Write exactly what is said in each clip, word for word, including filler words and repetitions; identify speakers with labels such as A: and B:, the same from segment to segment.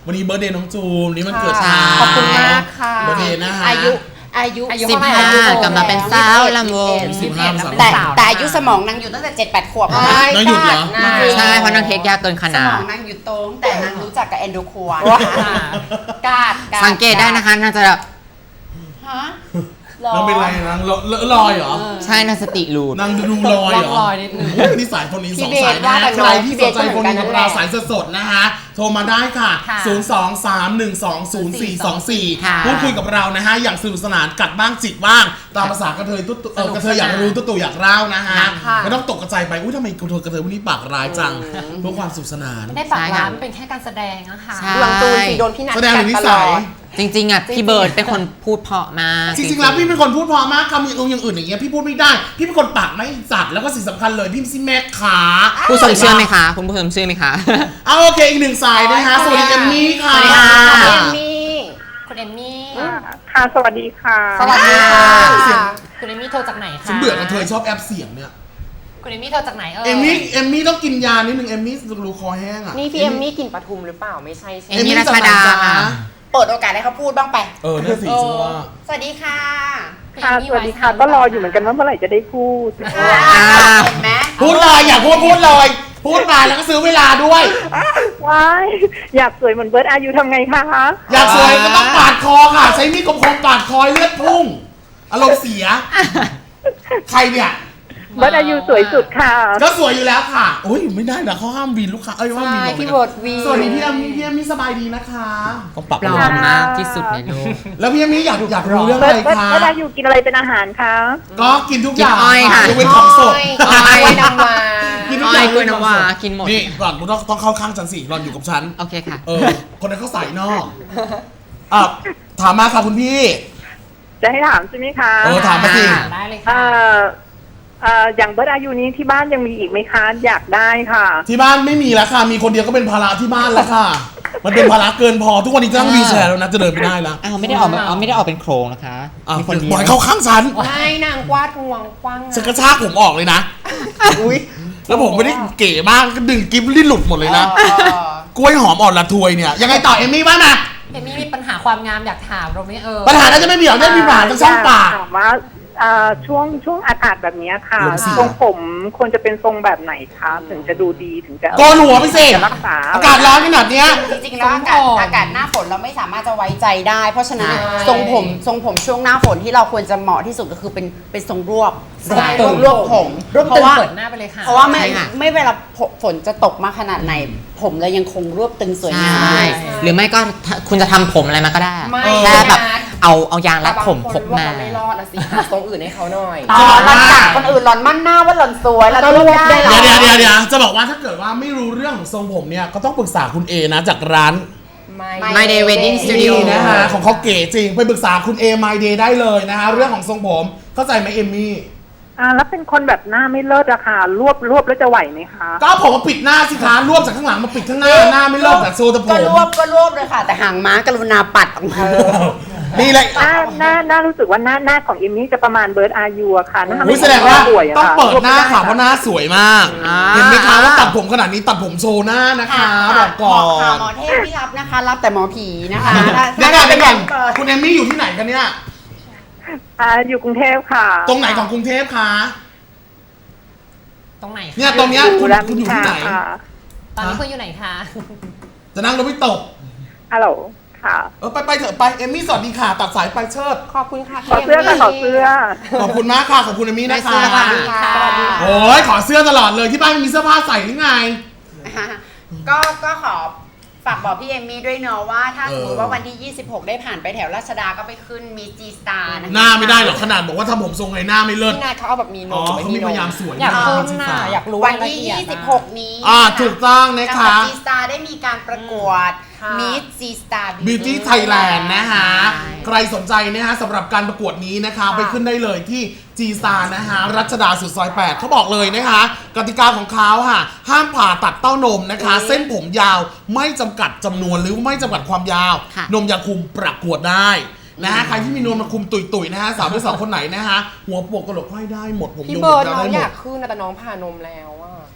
A: วันนี้เบิร์ธเดย์น้องจูมนี่มันเกิดช้า
B: ขอบคุณมากค่ะ
A: เบิร์ธเดย์นะฮะ
B: อายุอายุ
C: สิบห้ากำลังเป็นสาวลำวง
A: สิบห้า
B: แต่แต่อายุสมองนางอยู่ตั้งแต่เจ็ดแปดขวบ
A: นางหยุดเหรอ
C: ใช่เพราะนางเทคยากเกินข
B: ส
C: นาม ด
B: องนางอยู่ตรงแต่นางรู้จักกับแอนโดควานกาด
C: สังเกตได้นะคะนางจะแบบ
B: ฮะ
A: นางเป็นไรนางลอยเหรอ
C: ใช่นางสติรูด
A: นางดูลอยเหรอ
D: ลอยนิดนึง
A: โอ้ยนี่สายคนนี้สองสายนะใครที่สนใจคนนี้กับเราสายสดๆนะคะโทรมาได้ค่ะ ศูนย์ สอง สาม หนึ่ง สอง ศูนย์ สี่ สอง สี่ พูดคุยกับเรานะฮะอย่างสนุกสนานกัดบ้างจิกบ้างตามภาษากระเทยตุ๊เออกระเทยอยากรู้ตุ๊ตู่อยากเล่านะฮะไม่ต้องตกกระจายไปอุ้ยทำไมกระเทยกระเทยวันนี้ปากร้ายจังเพื่อความสนุกสนาน
D: ได้ฝากร้านเป็นแค่การแสดงนะคะ
C: ใช่
B: หลังตูนสีโดนพี่นัท
A: แสดงถึงนิ
B: ตล
A: สั
B: อย ด
C: จริงๆอ่ะพี่เบิร์ดเป็นคนพูดเพราะมาก
A: จริงๆแล้วพี่เป็นคนพูดเพอมากคำอย่างอื่นอย่างเงี้ยพี่พูดไม่ได้พี่เป็นคนปากไม่จัดแล้วก็สิ่งสำคัญเลยพี่ซิแม่ขา
C: ผู้ชมเชื่อไหมคะคุณผู้ชมเชื่อไหมคะ
A: เอาโอเคอีกหนึ่งสายนะคะสวัสดีเอมมี่ค่ะ
C: สวัสดีค่ะ
B: เอมมี่
D: คุณเอมมี่
E: ค่ะ สวัสดีค่ะ
B: สวัสดีค่ะ
D: คุณเอมมี่โทรจากไหนคะ
A: ฉันเบื่อกระเทยชอบแอปเสียงเนี่ย
D: คุณเอมมี่โทรจากไหนเออ
A: เอมมี่เอมมี่ต้องกินยานิดนึงเอมมี่รูคอแห้งอ่ะ
B: นี่พี่เอมมี่กินปทุมหรือเปล่าไม่ใช่ใช่
C: เอมมี่รัชดาค่ะ
B: เปิดโอกาสให้เขาพูดบ้างไป
A: เออนั่นสิฉันว่า
B: สวัสดีค่ะ
E: ค่ะ สวัสดีค่ะ ก็รออยู่เหมือนกันว่าเมื่อไหร่จะได้พูด
B: เห็นไหม
A: พูดเลยอยากพูดพูดเลยพูดมาแล้วก็ซื้อเวลาด้วย
E: ว้าย อยากสวยเหมือนเบิร์ดอายุทำไงคะ
A: อยากสวยก็ต้องปาดคอค่ะ ใช้มีดคมๆปาดคอเลือดพุ่งอารมณ์เสีย ใครเนี่ย
E: เบิร์ดอายุสวยสุดค่ะ
A: ก็สวยอยู่แล้วค่ะโอ้ยไม่ได้นะเขาห้ามวีนลูกค้าเอ้ยห้ามวีน
B: ใช่
A: ลง
B: พี่
A: นะ
B: เบิร์ดวี
A: สวัสดีพี่เอมมี่พี่เอมมี่สบายดีนะคะต้องปรับ
C: ปลอมมากที่สุดในโลก
A: แล้วพี่เอมมี่อยากอยากรู้เรื่อง
E: เบิ
A: อะ
E: ร์ด
A: ไร
E: เบิร์ด
A: คะ
E: เบิร์ดอายุกินอะไรเป็นอาหารคะ
A: ก็กินทุกอย่าง
C: กินอ้อยค่ะ
A: ยกเว้นของสด
C: อ้อย
B: กล้วยน้ำว้า
A: กินทุก
C: อ้
A: อ
C: อย่าง ยกล้วยน้ำว้ากินหมด
A: นี่หล่อนต้องต้องเข้าข้างฉันสิหล่อนอยู่กับฉัน
C: โอเคค่ะ
A: เออ คนนั้นเขาใส่นอกอ่ะถามมาค่ะคุณพี่
E: จะให้ถามใช่ไหมคะ
A: เออถามมาสิ
C: ค่ะ
D: ได้เลย
E: เอ่
D: ค่ะ
E: อเอ่ออย่างเบิร์ดอายุนี้ที่บ้านยังมีอีกไหมคะ อยากได้ค่ะ
A: ที่บ้านไม่มีแล้วค่ะ มีคนเดียวก็เป็นภาระที่บ้านแล้วค่ะ มันเป็นภาระเกินพอ ทุกวันนี้จะนั่งวีลแชร์แล้วนะ จะเดินไม่ได้แล้ว
C: อ้าวไม่ได้ออกมาเอาไม่ได้ออกเป็นโครงนะคะ
A: อ่ะ
C: มีคนเดีย
A: ปล่
C: ว
A: อยเข้าข้างฉัน
B: ให้นางกวาดงวงกว้าง
A: ฉันกระชากผมออกเลยนะ อุ้ยแล้วผมไม่ได้เก๋มากก็ดึงกิฟต์ลิ้นหลุดหมดเลยนะ กล้วยหอมอ่อนละทวยเนี่ย ยังไงต่อเอมมี่บ้างนะ
D: เอมมี่มีปัญหาความงามอยากถามเราไหมเออ
A: ปัญหาน่าจะไม่มีหรอกได้มีปัญหาทางช่องปาก
E: ถามว่าเอ่อช่วงช่วงอากาศแบบนี้ค่ะ
A: ลมเสีย
E: ทรงผมควรจะเป็นทรงแบบไหนคะถึงจะดูดีถึงจะ
A: โกนหัวไปสิ
E: จะรักษา
A: อากาศร้อนขนาดเนี้ย
B: จริงๆแล้วอากาศอากาศหน้าฝนเราไม่สามารถจะไว้ใจได้ เพราะฉะนั้นทรงผมทรงผมช่วงหน้าฝนที่เราควรจะเหมาะที่สุดก็คือเป็นเป็นทรงรวบ
D: ใช่
B: รวบรวบผม
D: รวบ
B: เพ
D: ตึ
B: ราะ
D: ง
B: ว่า
D: เปิดหน้าไปเลยค่ะ
B: เพราะว่าไม่
C: ใช่ค่ะ
B: ไม่เวลาฝนจะตกมาขนาดไหน ผมเรายังคงรวบตึงสวย
C: ใช
B: งาม่
C: หรือไม่ก็ถ้าคุณจะทำผมอะไรมาก็ได้
B: ไม่
C: แค่แบบ
B: นะ
C: เอาเอายางรัดผมพกมา
F: ไม่รอดอะสิหาทรงอื่นให้เขาหน่อย
B: หลอนมันกัดคนอื่นหลอนมั่นหน้าว่าหลอนสวยแล้วก็รวบได้หรอ
A: เดี๋ยวเดี๋ยวเดี๋ยวจะบอกว่าถ้าเกิดว่าไม่รู้เรื่องของทรงผมเนี่ย ก็ต้องปรึกษาคุณเอนะจากร้าน
F: ไม่
C: My Day Wedding Studio
A: นี่นะคะของเขาเก๋จริง ไปปรึกษาคุณเอ My Day ได้เลยนะคะเรื่องของทรงผม เข้าใจไหมเอมมี่
E: อ่าแล้วเป็นคนแบบหน้าไม่เลิศอะค่ะ รวบรวบแล้วจะไหวไหมคะ
A: ก็เอาผมมาปิดหน้าสิคะรวบจากข้างหลังมาปิดข้างหน้าหน้าไม่เลิกจากโซตะผ
B: ก็
A: ม
B: รวบก็รวบเลยค่ะ แต่หางม้ากรุณาปัดออกมา
A: นี่เลย
E: หน้าหน้าหน้ารู้สึกว่าหน้าหน้าของเอมมี่จะประมาณเบิร์ดอายุอะค่ะหน้า
A: อุ๊
E: ไม่
A: ยแสดงว่า
E: สวยอะ
A: ต้อง
E: ค่ะ
A: เปิดหน้าค่ะ
E: รวบ
A: เพ
E: ไม่
A: ราะห
E: ได้
A: น้าสวยมาก
C: อ่า
A: เห็นไหมคะว่าตัดผมขนาดนี้ตัดผมโชว์หน้านะคะบอกก่อ
B: ค่ะ
A: น
B: หมอเทพไม่รับนะคะ รับแต่หมอผีนะคะ
A: เดี๋ยวก่อนเดี๋ยวก่อนคุณเอมมี่อยู่ที่ไหนกันเนี่ย
E: อ่าอยู่กรุงเทพค่ะ
A: ตรงไหนของกรุงเทพคะ
D: ตรงไหนคะ
A: เนี่ยตรงเนี้ยคุณ
E: ราม
A: คุณอยู่ที่ไหน
E: ค่ะ
D: ตอนนี้คุณอยู่ไหนคะ
A: จะนั่งรถไม่ตก
E: ฮัลโหลค่ะ
A: เออไปไปเถอะไปเอมมี่สวัสดีค่ะตัดสายไปเชิด
F: ขอบคุณค่ะ
E: ขอเสื้อค่ะขอเสื้อ
A: ขอบคุณมากค่ะขอบคุณเอมมี่นะคะ
C: ได้เสื้อค่ะ
B: สวัสดีค่ะ
A: โอ้ยขอเสื้อตลอดเลยที่บ้านไม่มีเสื้อผ้าใส่หรือไง
B: ก็ก็ขอฝากบอกพี่เอมมี่ด้วยเนาะว่าถ้า
A: เออ
B: สมมติว่าวันที่ยี่สิบหกได้ผ่านไปแถวราชดาก็ไปขึ้นมีจีสตาร์นะคะ
A: หน้าไม่ได้หรอกขนาดบอกว่าทำผมทรงไงหน้าไม่เลิศ
F: พี่นายเขาเอาแบบมีน
A: อ๋อ
F: ม
A: เขามีพยายามสวย
D: อยาก
A: นะ
D: ขึ้น
A: จริง
D: น่ะ
A: ๆ
D: อยากรู้
B: วันที่
D: รายละเอียด
B: ยี่สิบ
D: อะ
B: หก นี้
A: อ่าถูกต้องนะ
B: กั
A: คะ
B: บจีสตาร์ได้มีการประกวด
D: ค่ะ
B: มิสจีสตาร์
A: Beauty Thailand นะคะ
C: ใช่
A: ใครสนใจนะฮะสำหรับการประกวดนี้นะคะ ไปขึ้นได้เลยที่จีซานะคะรัชดาสุดซอยแปดเขาบอกเลยนะคะ กติกาของเขาค่ะ ห้ามผ่าตัดเต้านมนะคะ เส้นผมยาวไม่จำกัดจำนวนหรือไม่จำกัดความยาว
C: ค่ะ
A: นมยาคุมประกวดได้นะฮะใครที่มีนมมาคุมตุยๆนะฮะสาวที่สาวคนไหนนะฮะหัวปวกกระโหลกห้อยได้หมดผม
F: พี่
A: ยง
F: เบิร์ด
A: ยาว
F: น้อง
A: ได้ห
F: อ
A: ม
F: ยา
A: ด
F: กขึ้นนะแต่น้องผ่านมแล้วอะ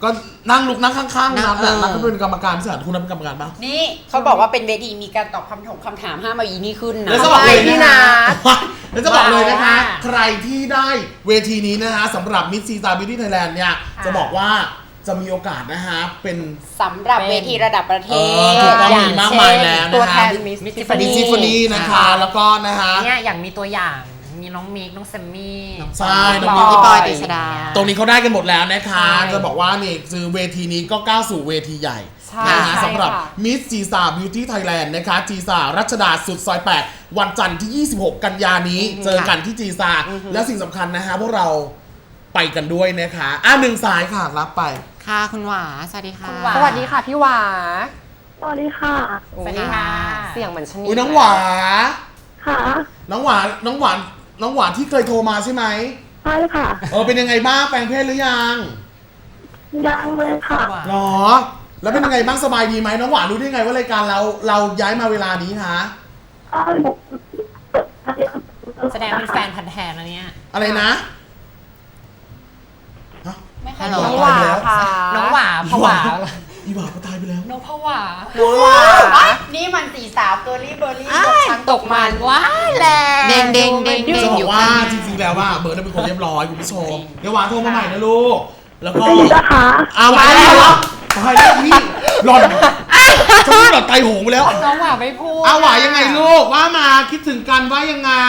A: ก็นั่งลุกนั่งข้างๆ
C: นั่
A: นั
C: ง
A: บแหละ
C: เออ
A: นับก็เป็นกรรมการพิเศษคุณนับเป็นกรรมการปะ
B: นี่เขาบอกว่าเป็นเวทีมีการตอบคำถามคำถามห้ามเอาอีนี่ขึ้นนะ
A: แล้วจะบอกเลย
F: พี่
A: นะ
F: นั
A: คะแล้วจะบอกเลยนะคะ
D: ว้าว
A: ใครที่ได้เวทีนี้นะคะสำหรับมิสซีตาบิวตี้ไทยแลนด์เนี่ยจะบอกว่าจะมีโอกาสนะคะเป็น
B: สำหรับเวทีระดับประเท
A: เอ
B: ศ
A: อถูกต้อง
B: อย่
A: มี
B: ง
A: มาก
B: เช่
A: มายแล้ว
B: ตัว
A: นะ
B: แท
A: คะ
B: นมิส
D: Miss
B: ซิฟ
A: ดิซิฟนีนะคะแล้วก็นะคะ
D: เนี่ยอย่างมีตัวอย่างมีน้องมิกน้องแซมมี่
A: ใช่น้
C: น้
A: อ
C: อง ง
A: มิ
C: พี่
A: ก
C: ปอยติชดา
A: ตรงนี้เขาได้กันหมดแล้วนะคะ
D: ใช่
A: จะบอกว่านี่คือเวทีนี้ก็ก้าวสู่เวทีใหญ่
F: ใช่
A: นะคะ
F: ใช่
A: สำหรับ
F: ค่ะ
A: มิสจีซาบิวตี้ไทยแลนด์นะคะจีซารัชดาสุดซอยแปดวันจันทร์ที่ ยี่สิบหก กันยานี้ เจอกันที่จีซาและสิ่งสำคัญนะคะพวกเราไปกันด้วยนะคะอ่ะหนึ่งสายค่ะรับไป
C: ค่ะคุณหวาสวัสดีค่ะ
D: คุณหวา
F: สวัสดีค่ะพี่หวา
E: สวัสดีค่ะ
D: สวัสดีค่ะ
F: เสียงเหมือนชนี
A: อุ้ยน้องหวา
E: ค่ะ
A: น้องหวานน้องหวานน้องหวานที่เคยโทรมาใช่ไหม
E: ใช่ค่ะ
A: เออเป็นยังไงบ้างแปลงเพศหรือยัง
E: ยังเลยค่ะ
A: หรอแล้วเป็นยังไงบ้างสบายดีไหมน้องหวานรู้ได้ไงว่ารายการเราเราย้ายมาเวลานี้คะ
D: แสดงเป็นแฟนพันธุ์แท้นะเนี่ย
A: อะไรนะ
B: ไม่ค่อย
C: ฮัลโหล
B: รู้
F: น้องหวาค่ะ
D: น้องหวาผวา
A: อีหวาก็ตายไปแล้ว
D: น้องผวา
F: น้องหวา
B: อ่ะนี่มันสี่สาวเกอร์ลี่เบอร์รี่ตกชั้น
D: ตกมันว้ายแรง
C: เด้งเด้งเด้ง
A: จะ
C: เด้ง
A: บอ
C: อยู่
A: กว่า
C: ข้าง
A: จริงๆแล้วว่าเบิร์ดเป็นคนเรียบร้อยคุณผู้ชมเดี๋ยวหวานโทรมาใหม่นะลูกแล้วก็
E: นะคะ
A: เอามาแล้วเหรอตายแล้วพี่หล่อนจะพูดหล่อนไตโหงไปแล้ว
D: น้องหวาไม่พูด
A: เอาหวายังไงลูกว่ามาคิดถึงกันว่ายังไง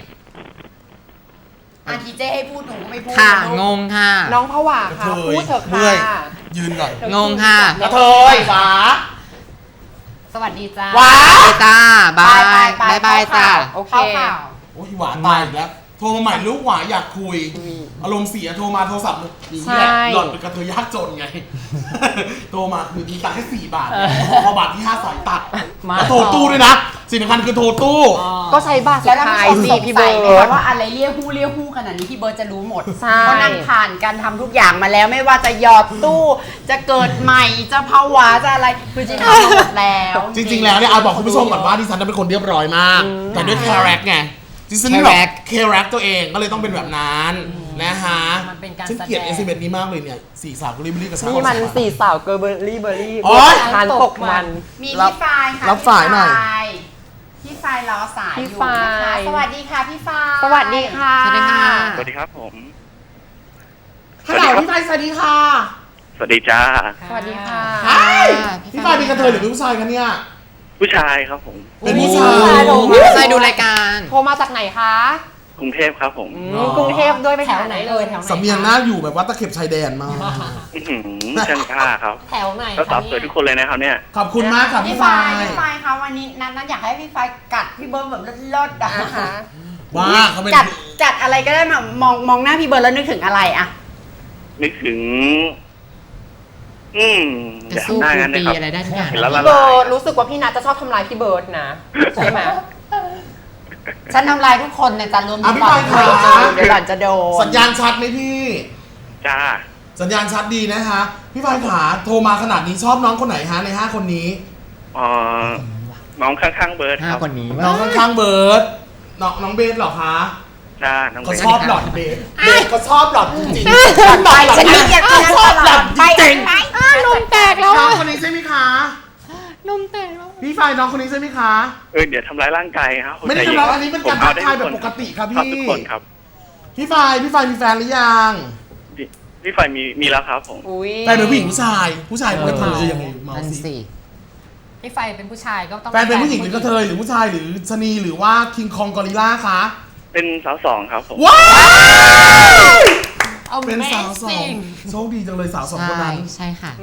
B: อาทีเจให้พูดหนูก็ไม่พูด
C: ค่ะ
B: ลูก
C: งงค่ะ
F: น้องผวาค่ะ
A: กระเทย
F: พูดเถอะ
A: เมื่
F: ค่ะ
A: อย ยืนก่อน
C: งงค่ะ
A: กระเทยหวา
D: สวัสดีจ้า
A: หวา
C: ไปจ้าบาย
B: ไป
C: บาย
B: ไป
C: บาย
B: เข้า
C: จ้า
B: ข่าว
F: โอเค
B: เข้าข่าว
A: โอ้ยหวาตายอีกแล้วโทรมาใหม่ลูกหวาอยากคุย อารมณ์เสียโทรมาโทรศัพท์นี่แหละ
F: ใช่
A: หล่อนเป็นกระเทยยากจนไง โทรมาคือมีตังค์แค่สี่บาทเนี่ยพอบาทที่ห้าสายตัด
D: มา
A: แล้วโทรตู้ด้วยนะสิ่งสำคัญคือโทรตู้
F: ก็ใช้บัตรสุ
B: แล้ว
F: ด
B: เรา
F: ท้าย
B: ผู้ชม
F: สิ
B: สง
F: พี่
B: สั
F: เบิ
B: ยไหม
F: ร์ด
B: คะว่าอะไรเลี้ยวหู้เลี้ยวหู้ขนาดนี้พี่เบิร์ดจะรู้หมด
F: ใช่
B: เพราะนั่งผ่านการทำทุกอย่างมาแล้วไม่ว่าจะหยอดตู้ จะเกิดใหม่จะภาวะจะอะไรคือจริงๆทำมาหมดแล้ว
A: จริงๆ แล้วเนี่ยเอาบอกคุณผู้ชมก่อนว่าดิฉันเป็นคนเรียบร้อยมาก แต่ด้วยคาแรคไงดิฉันแบบ
C: Character
A: คาแรคตัวเองก็เลยต้องเป็นแบบนั้นนะฮะ
D: มันเป็นการ
A: ฉันเกลียด
D: แสด
A: เอง สเอ็มนี้มากเลยเนี่ยสี่สาวก็รีบรีบกับสาว
F: นี่มันสี่สาวเกอร์เบอร์รี่เบอร์รี่
A: โอ๊ย
F: ทานตกมัน
B: มี
A: รับ
B: พี่ฟายค่ะ
A: รับสายหน่อย
B: พี่ฟายรอสาย
F: พี่
B: อยู่
F: ฟาย
B: นะคะสวัสดีค่ะพี่ฟาย
F: สวัสดีค่ะ
C: สวัสดีค่ะ
G: สวัสดีครับผม
A: ฮัลโหลพี่ไฟสวัสดีค่ะ
G: สวัสดีจ้า
F: สวัสดีค่ะ
A: ไอ้พี่ไฟเป็นกระเทยหรือเป็นผู้ชายคะเนี่ย
G: ผู้ชายครับผม
A: เป็นผู้ชา
F: ผู้ชาย
A: ย
F: โด
C: ใช่ดูรายการ
F: โทรมาจากไหนคะ
G: กรุงเทพครับผม
F: อืมกรุงเทพด้วยไป
D: แถวไหนเอ่ยแถวไหน
A: สำเนียงหน้าอยู่แบบว่าตะเข็บชายแดนมาก
G: อื้อหือช่างกล้าครับ
D: แถวไหน
G: ก็สาวสวยทุกคนเลยนะครับเนี่ย
A: ขอบคุณมากค่ะ
B: พี่
A: พี่ไฟ
B: ฟายพี่ฟายคะวันนี้นัทนัทอยากให้พี่ฟายกัดพี่เบิร์ดแบบเลิศๆอะ
F: นะคะ
A: ว่าเขาเป็น
B: กัดกัดอะไรก็ได้มามองมองหน้าพี่เบิร์ดแล้วนึกถึงอะไรอะ
G: นึกถึง อืมอ
C: จะ
G: ย่า
C: สู้
G: ทำหน้า
C: ครู
G: งั้นนะ
C: ปี
G: ครับ
C: อะไรได้ทุกอย่าง
G: เห็นแล้วละ
F: พี่เบิ
G: ลาย
F: ร์ดรู้สึกว่าพี่นัทจะชอบทำร้ายพี่เบิร์ดนะ ใช่ไหม
B: ฉันทำลายทุกคนเนี่ยจะรวม
A: อ่ะ
B: ถึง
A: พี่
B: หล่อน
A: ฟายค่ะ
B: เดี๋ยวหล่อนจะโดน
A: สัญญาณชัดไหมพี่
G: จ้า
A: สัญญาณชัดดีนะคะ พี่ไฟขาโทรมาขนาดนี้ชอบน้องคนไหนฮะในห้าคนนี้
G: เอ่อน้องข้างๆเบิร์ดค
C: ห้า
G: รับ
C: คนนี้
A: น้องข้างๆเบิร์ดน้องน้องเบสเหรอคะ
G: จ้า น้อง
A: เขา
G: เบิร์ด
A: ชอบหล่อนเบสเบสเขาชอบหล่อนจริง
B: ไปฉันไม่อยากจะ
A: ชอบหล่อนจริง
B: ไป
F: นมแตก
A: ๆ
F: แล้ว
A: น้องคนนี้ใช่ไหมคะ
F: นมแตกแล้ว
A: พี่ไฟน้องคนนี้ใช่ไหมคะ
G: เออเดี๋ยวทำร้ายร่างกายครับ
A: ไม่ได้ทำร้ายอันนี้เป็นการทักทายแบบปกติครับ
G: ชอบ
A: พี่
G: ทุกคนครับ
A: พี่ไฟพี่ไฟมีแฟนหรือยัง
G: พี่พี่ไฟมีมีแล้วครับผม
F: อุ้ย
A: แฟนเป็นผู้หญิงผู้ชาย ผู้ชายเป็นกระเทยจะยังไงเมา
C: นั่น
A: สิ
C: สิ
D: พี่ไฟเป็นผู้ชายก็ต้อง
A: แฟนเป็นผู้หญิงหรือกระเทยหรือผู้ชายหรือชะนีหรือว่าคิงคองกอริลล่าคะ
G: เป็นสาวสองครับผม
A: ว้าว
D: เอา
A: เป็นสาวสองโชคดีจังเลยสาวสองคน
C: ใช่
A: นั้น
C: ใช่ค่ะ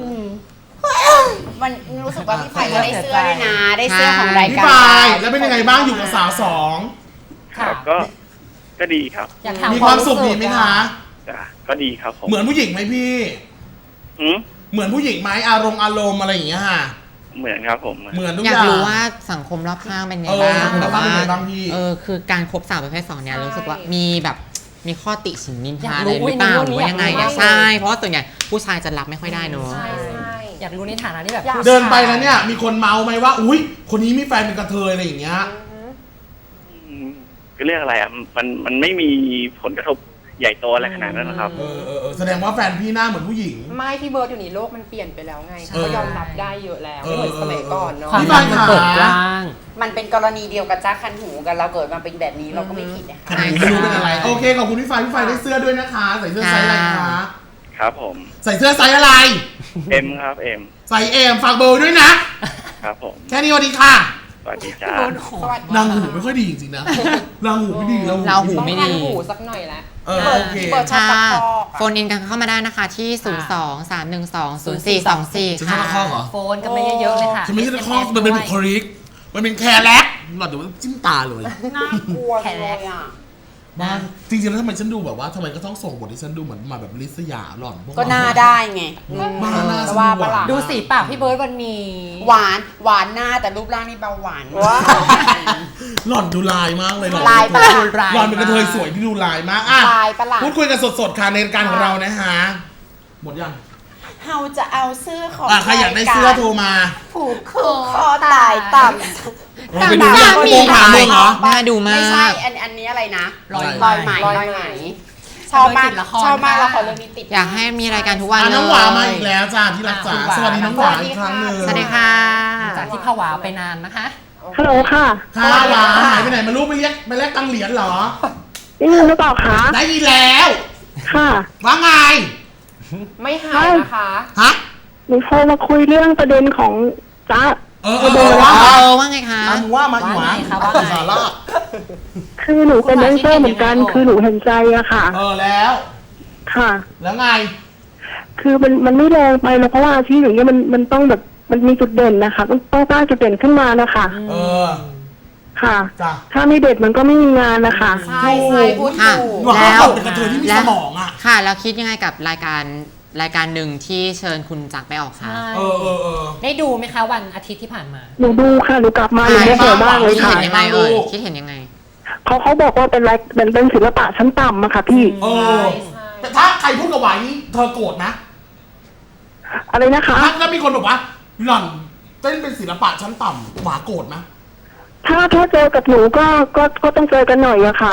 B: มันรู้สึกว่าพี่ไฟจะได้เสื้อด้วยนะ ได้เสื้อของราย
A: พี่
B: การ
A: ไฟแล้วเป็นยังไงบ้างอยู่กับสาวสอง
G: ครับ ก็ ก็ดีครับ
D: อยากถาม
A: มีความสุขดีไหมคะ
G: จ้าก็ดีครับผม
A: เหมือนผู้หญิงไหมพี่
G: หืม
A: เหมือนผู้หญิงไหมอารมณ์อารมณ์อะไรอย่างเงี้ยค่ะ
G: เหมือนครับผม
A: เหมือนทุก
C: อ
A: อย
C: าก
A: ย่าง
C: รู้ว่าสังคมรอบข้างเป็นไง
A: เออ
C: บ้าง
A: สังคมร
C: แบ
A: อบบ ข้าง
C: ว่า
A: เป็นไงบ้างพี่
C: เออคือการคบสาวประเภทสองเนี่ยรู้สึกว่ามีแบบมีข้อติฉินนิน
D: อยา
C: ทาก อะไร
D: รู้
C: หรือเปล่า
D: อุ๊ย
C: หรือว่ายังไง
D: อยากรู้
C: ใช่ เพราะว่าส่วนใหญ่ผู้ชายจะรับไม่ค่อยได้เนอะ
D: ใช่อยากรู้ในฐานะที่แบบ
F: อยาก
A: เดินไปแล้วเนี่ยมีคนเมาไหมว่า อุ้ยคนนี้มีแฟนเป็นกระเทยอะไรอย่างเงี้ย
G: อืมก็เรื่องอะไรอ่ะ มัน มันไม่มีผลกระทบใหญ่โตอะไรขนาดนั้นนะครับ
A: เออเออเออแสดงว่าแฟนพี่หน้าเหมือนผู้หญิง
F: ไม่พี่เบิร์ดอยู่นี่โลกมันเปลี่ยนไปแล้วไง
D: ใช่
F: เขาก็ยอมรับได้เยอะแล้ว
A: เออ
F: ไม่เหมือนสมัยก่อนเนาะ
D: ความ
A: พี่
D: รั
A: บาก ย
D: มัน
A: ขา
D: เปิดกว้าง
B: มันเป็นกรณีเดียวกับจ้าคันหูกันเราเกิดมาเป็นแบบนี้เราก็ไม่ผิดนะคะ
A: คันหูไม่รู้เป็นอะไร โอเค ขอบคุณพี่ไฟพี่ไฟได้เสื้อด้วยนะคะ ใส่เสื้อไซส์อะไรคะ
G: ครับผม
A: ใส่เสื้อไซส์อะไร
G: เอ็มครับเอ็ม
A: ใส่เอ็มฝากเบอร์ด้วยนะ
G: ครับผม
A: แค่นี้สวัสดีค่ะ
G: สวัสดีจ้า
B: สวัสดี
A: นางหูไม่ค่อยดีจริงๆนะนางหูไม่ดีแล้ว
C: เราหู
F: ต้อง
C: ไม่
F: พัน
C: ดี
F: หูสักหน่อยละ
A: เออโอเค
B: เปิดชอบ
C: ค่ะ
B: ตะคอก
C: โฟนอินกันเข้ามาได้นะคะที่ ศูนย์ สอง สาม หนึ่ง สอง ศูนย์ สี่ สอง สี่
A: ฉันชอบตะคอกเหรอ
D: โฟนกันมาเยอะๆเลยค่ะ
A: ฉันไม่ใช่ตะคอกมันเป็นบุคลิก มันเป็นแคร์แล็กหลอดเดี๋ยวมันจิ้มตาเลย
B: น่ากลัวจังเลยอ่ะ
A: บ้านจริงๆแล้วทำไมฉันดูแบบว่าทำไมก็ต้องส่งบทที่ฉันดูเหมือนมาแบบลิสยาหล่อนพว
B: ก็หน้าได้ไง
A: บ้านหน้า
B: แต่
A: ฉัน
B: ว่า
A: ดูห
B: ประหลา
A: วา
B: ด
A: น
D: ดูสีปากพี่เบิร์ดวันนี้
B: หวานหวานหน้าแต่รูปร่างนี่เบาหวาน
A: หล่อนดูลายมากเลยหล่อน
B: ลายประหลาด
A: หล่อนเป็นกระเทยสวยที่ดูลายมากอ่ะ
B: ลายประหลาด
A: พูดคุยกันสดๆค่ะในรายการของเรานะฮะหมดยัง
B: เฮาจะเอาเสื้อของ
A: อ่ะใครอยากได้เสื้อโทรมา
B: ผูกคอคอตายต่ำ
A: เราไปดูยัง
B: มี
A: โกงถามมึงเหรอ
C: น่าดูมาก
B: ไม่ใช่อันอันนี้อะไรนะ
D: รอย
B: รอยไหม
F: รอย
B: รอย
F: ไห
B: ไห
F: ม
B: มชอบมาก
D: ติดละคร
B: ชอบมาก
D: ค่ะ
B: ละครเรื่องนี้ติด
C: อยากให้มีรายการทุกวัน
A: อ่ะ
C: เลย
A: น้องหวามาอีกแล้วจ้าที่รักจ๋า
D: อ่ะ
A: สวัสดีน้องหวาอีกครั้งหนึ่ง
C: สวัสดีค่ะ
D: จากที่ผวาไปนานนะคะ
E: ฮัลโหลค่ะ
A: ค่ะหวาหายไปไหนไมารู้ไปเรียกไปแลกตังเหรียญเหรอ
E: ได้ยินหรือเปล่าคะ
A: ได้ยินแล้ว
E: ค่ะ
A: ว่าไง
F: ไม่หายนะคะ
A: ฮะ
E: หนูโทรมาคุยเรื่องประเด็นของจ๊ะ
A: เออเออเออว่า
C: เอ
A: มา
C: อว่าไงคะ
A: อ่ะมึงว่ามาอีหวา
D: ว่าไงคะว่าไง
A: สาระ
E: คือหนูเป็นแดนเซอร์เหมือนกัน คือหนูเห็นใจอะค่ะ
A: เออแล้ว
E: ค่ะ
A: แล้วไง
E: คือมันมันไม่แรงไปแล้วเพราะว่าอาชีพอย่างเงี้ยมันมันต้องแบบมันมีจุดเด่นนะคะต้องต้องสร้างจุดเด่นขึ้นมานะคะ
A: เออ
E: ค่ะ
A: จ้ะ
E: ถ้าไม่เด็ดมันก็ไม่มีงานนะคะ
B: ใช่ใช่พูด
C: ค่ะ
B: ถูก
A: หวา
C: แล้ว
A: เขาเป็นกระเทยที่มีสมองอ่ะ
C: ค่ะแล้วคิดยังไงกับรายการรายการหนึ่งที่เชิญคุณจักรไปออกคะ
A: เออเออเออ
D: ได้ดูไหมคะวันอาทิตย์ที่ผ่านมา
E: หนูดูค่ะหนูกลับมาหนูโมโหมากเลย
C: คิด
E: ค่ะ
C: เห็นยังไงเอ่ย
A: ลูก
C: คิดเห็นยังไง
E: เขาเขาบอกว่าเป็นไรเป็นเป็นศิลปะชั้นต่ำอะค่ะพี่
A: เออ แต่ถ้าใครพูดกับหวายนี่เธอโกรธนะ
E: อะไรนะคะ
A: ถ้าถ้ามีคนบอกว่าหล่อนเต้นเป็นศิลปะชั้นต่ำหวาโกรธนะ
E: ถ้าถ้าเจอกับหนูก็ก็ก็ต้องเจอกันหน่อยอะค่ะ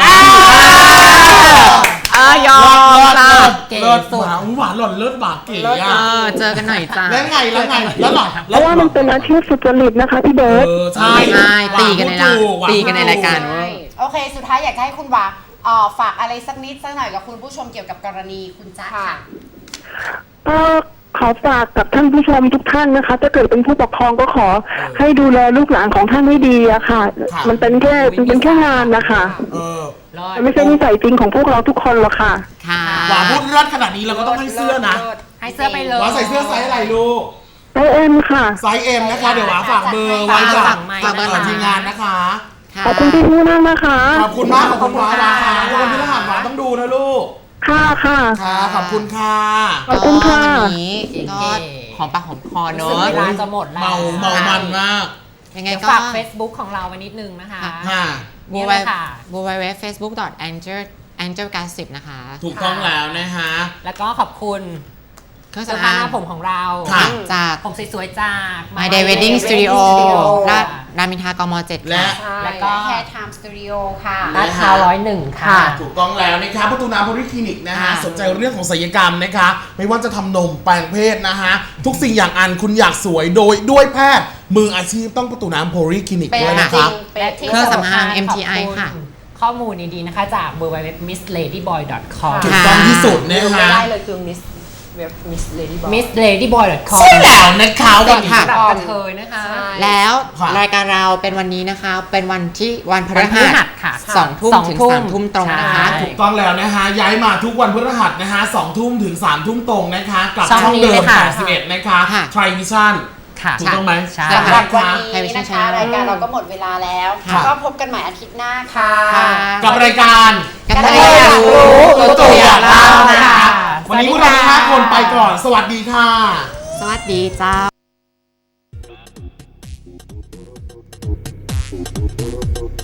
C: เออยอม
A: เลิ
C: ค่ะ
A: ศ
D: เก๋
A: เลิศ
D: สุด
A: หวาหวานหล่อนเลิศหวาเก๋
C: เอ
A: อะ
C: อเจอกันหน่อยจ้า
A: แล้วไงแล้วไงแล้วหล่อน
E: เพราะว่ามันเป็นอาชีพสุจริตนะคะพี่เบิร์ต
A: เออใช่
C: ใช่ตีกันใน
A: หวา
C: ร้าน
A: พูดถูหว
C: ตีกันในรายการ
A: พูดถู
C: เว้ย
B: โอเค สุดท้ายอยากจะให้คุณวาเอ่อฝากอะไรสักนิดสักหน่อยกับคุณผู้ชมเกี่ยวกับกรณีคุณจ๊ะค่ะ
E: ก็ขอฝากกับท่านผู้ชมทุกท่านนะคะ ถ้าเกิดเป็นผู้ปกครองก็ขอให้ดูแลลูกหลานของท่านให้ดีอะค่ะ มันเป็นแค่มันเป็นแค่งานนะคะ
A: เออ
D: รอด
E: มันไม่ใช่นิสัยจริงของพวกเราทุกคนหรอกค่ะ
C: ค่ะ
A: หวาพูดเลิศขนาดนี้เราก็ต้องให้เสื้อนะ
D: ให้เสื้อไปเลย
A: หวาใส่เสื้อไซส์อะไรลูก
E: ไอเอ็มค่ะ
A: ไซส์เอ็มนะคะ เดี๋ยวหวาฝากเบอร์ไว้
C: ฝาก
A: กับ
C: ฝากเบอร์หน่อย
A: ทีมงานนะคะ
C: ค่ะ
E: ขอบคุณพี่ผู้นั่งนะคะ
A: ขอบคุณมากขอบคุณหวาหวาค่ะทุกคนที่รหัสหวาต้องดูนะลูก
E: ค่ะค่ะ
A: ค่ะขอบคุณค่ะ
E: ขอบคุณค่ะ
C: ก็วันนี้ก็หอมปากหอมคอเน
D: รู้
C: อะ
D: สึกเวลาจะหมดแล้ว
A: เมาเมามันมาก
C: ยังไง
D: เดี๋ยว
C: ก็
D: ฝาก Facebook ของเราไว้นิดนึงนะคะ
A: ค่ะ
C: บู
D: นี่
C: ไว
D: เลยค่ะ
C: บูไวเว็บเฟซบุ๊กดอทแองเจิลแองเจิลการสิบนะคะ
A: ถูกต้องแล้วนะฮะ
D: แล้วก็ขอบคุณ
C: เครื่อง
D: เสื้อ
C: สำ
D: ผ้า
C: อาง
D: หน้าผมของเรา
A: ค่ะ
C: จาก
D: ผมสวยๆจาก
C: My Day Wedding Studio ลาดรามอินทรากมเจ็ด
A: และ
C: ค่ะ
D: แล้วก็
B: แคร์ไทม์สตูดิโอค่ะ
D: ลาดพร้าวร้อยหนึ่งค่ะ
A: ถูกต้องแล้วนะคะประตูน้ำโพลิคลินิกนะฮะ
D: ค่ะ
A: สนใจเรื่องของศัลยกรรมนะคะ ไม่ว่าจะทำนมแปลงเพศนะฮะ ทุกสิ่งอย่างอันคุณอยากสวยโดยด้วยแพทย์มืออาชีพต้องประตูน้ำโพลิคลินิก
B: เป็น
A: ด้วย
B: จ
A: นะค
B: ริ
A: รั
B: ง
A: บ
B: เป็นที่
C: เครื่องสำอาง
D: ขบ
C: เอ็ม ที ไอ
D: ณ
C: ค่ะ
D: ข้อมูลดีๆนะคะจาก ดับเบิลยู ดับเบิลยู ดับเบิลยู ดอท มิส เลดี้บอย ดอท คอม
A: ถูกต้องที่สุดนะ
F: ลืมไม่
A: ฮะ
F: ได้เลยคือมิสเว็บมิสเลดี้บอย
D: มิส เลดี้บอย ดอท คอม
A: ใช่แล้วนะคะวันนี้
C: ค่ะ
D: สำหรับกระเทยนะคะ
F: ใช่
C: แล้ว
A: ค่ะ
C: รายการเราเป็นวันนี้นะคะ เป็นวันที่วันพฤ
D: วันพฤหั
C: หั
D: ส
C: ส
D: ค่ะ
C: สองทุ่ม
D: สอง
C: ถึง
D: ทุ่ม
C: สามทุ่มตรงนะคะ
D: ใช่
A: ถูกต้องแล้วนะฮะ ย้ายมาทุกวันพฤหัสนะฮะสองทุ่มถึงสามทุ่มตรงนะคะ กับ
D: ช่อง
A: ช่อง
D: นี้
A: เดิ
D: เล
A: ม
D: ยค่ะ
A: แปดสิบเอ็ดนะคะ
C: ค่ะ
A: ทริวิชั่น
D: ค่ะ
A: ถูกต้องไหม
D: ใช่
B: สำหรับวัน
C: ค่ะ
B: นี้นะคะ
C: Television
B: รายการเราก็หมดเวลาแล้ว
A: ค่ะ
B: ก็พบกันใหม่อาทิตย์หน้าค่ะ
C: ค่ะ
A: กับรายการ
C: กัน
B: กระ
C: เล
B: เท
C: ย
B: ยอยาก ก
C: อายรู้
B: รู้
A: ตัวตัวอยากเล่านะ
D: ค่ะ
A: คะวันนี้พวกเราทั้งห้าคนไปก่อน สวัสดีค่ะ
C: สวัสดีเจ้า